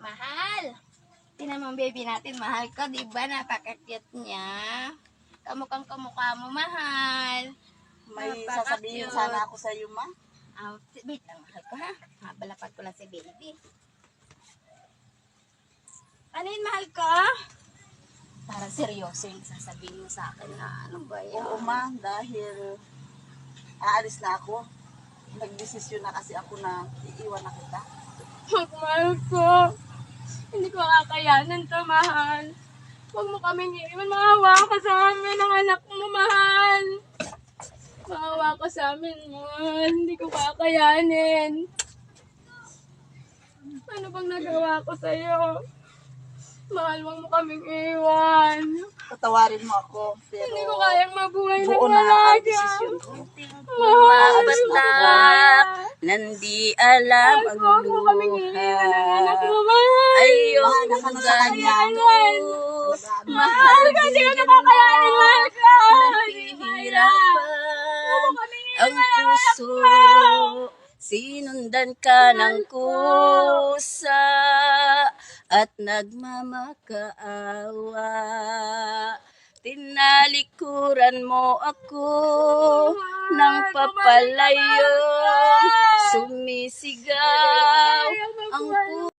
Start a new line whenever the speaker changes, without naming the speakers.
Mahal. Tinan mo ang baby natin, mahal ko, di ba? Napaka-cute niya. Kamukhang kamukha mo, mahal.
May
Napaka-cute.
sasabihin sana ako sa iyo, ma.
Wait lang, mahal ko ha. Mabalapat ko lang si baby. Ano yun, mahal ko? Parang seryoso yung sasabihin mo sa akin na ano ba yan?
Oo, ma, dahil aalis na ako. Nagdesisyon na kasi ako na iiwan na kita.
Mahal ko. Hindi ko kakayanan to, mahal. Huwag mo kaming iiwan. Maawa ka sa amin ang anak mo, mahal. Maawa ka sa amin, mahal. Hindi ko kakayanin. Ano bang nagawa ko sa'yo? Mahal, huwag mo kaming iwan.
Patawarin mo ako, pero
Hindi ko kayang mabuhay ng
buo na ang
malaga.
desisyon ko.
Mahal,
Maalis
hindi ko
na.
kaya.
Nandi alam
Mahal
ang
ko, huwag mo kaming iiwan ng anak mo,
luha.
mahal.
Ayong
Hindi ko
kanya.
kakayanin. Mahal ko, hindi ko nakakayanin, mahal ko.
Nahihirapan ang puso. Sinundan ka ng kusa at nagmamakaawa. Tinalikuran mo ako ng papalayong sumisigaw ang puso.